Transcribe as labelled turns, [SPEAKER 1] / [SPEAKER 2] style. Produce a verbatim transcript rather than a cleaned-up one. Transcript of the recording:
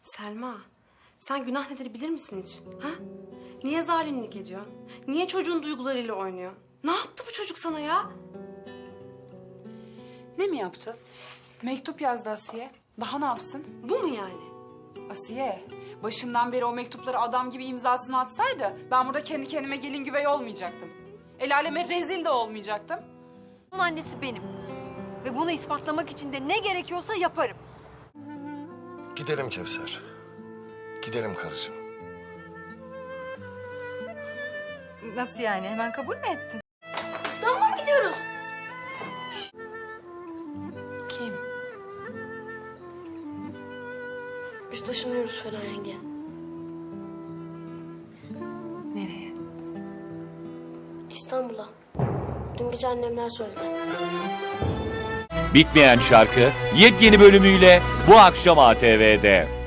[SPEAKER 1] Selma, sen günah nedir bilir misin hiç? Ha? Niye zalimlik ediyorsun? Niye çocuğun duygularıyla oynuyor? Ne yaptı bu çocuk sana ya?
[SPEAKER 2] Ne mi yaptı? Mektup yazdı Asiye. Daha ne yapsın?
[SPEAKER 1] Bu mu yani?
[SPEAKER 2] Asiye, başından beri o mektupları adam gibi imzasını atsaydı... ...ben burada kendi kendime gelin güvey olmayacaktım. El aleme rezil de olmayacaktım.
[SPEAKER 3] Onun annesi benim. Ve bunu ispatlamak için de ne gerekiyorsa yaparım.
[SPEAKER 4] Gidelim Kevser. Gidelim karıcığım.
[SPEAKER 3] Nasıl yani? Hemen kabul mü ettin?
[SPEAKER 5] İstanbul'a mı gidiyoruz?
[SPEAKER 1] Kim?
[SPEAKER 5] Biz taşınıyoruz Feriha yenge.
[SPEAKER 1] Nereye?
[SPEAKER 5] İstanbul'a. Dün gece annemler söyledi.
[SPEAKER 6] Bitmeyen şarkı yepyeni bölümüyle bu akşam A T V'de.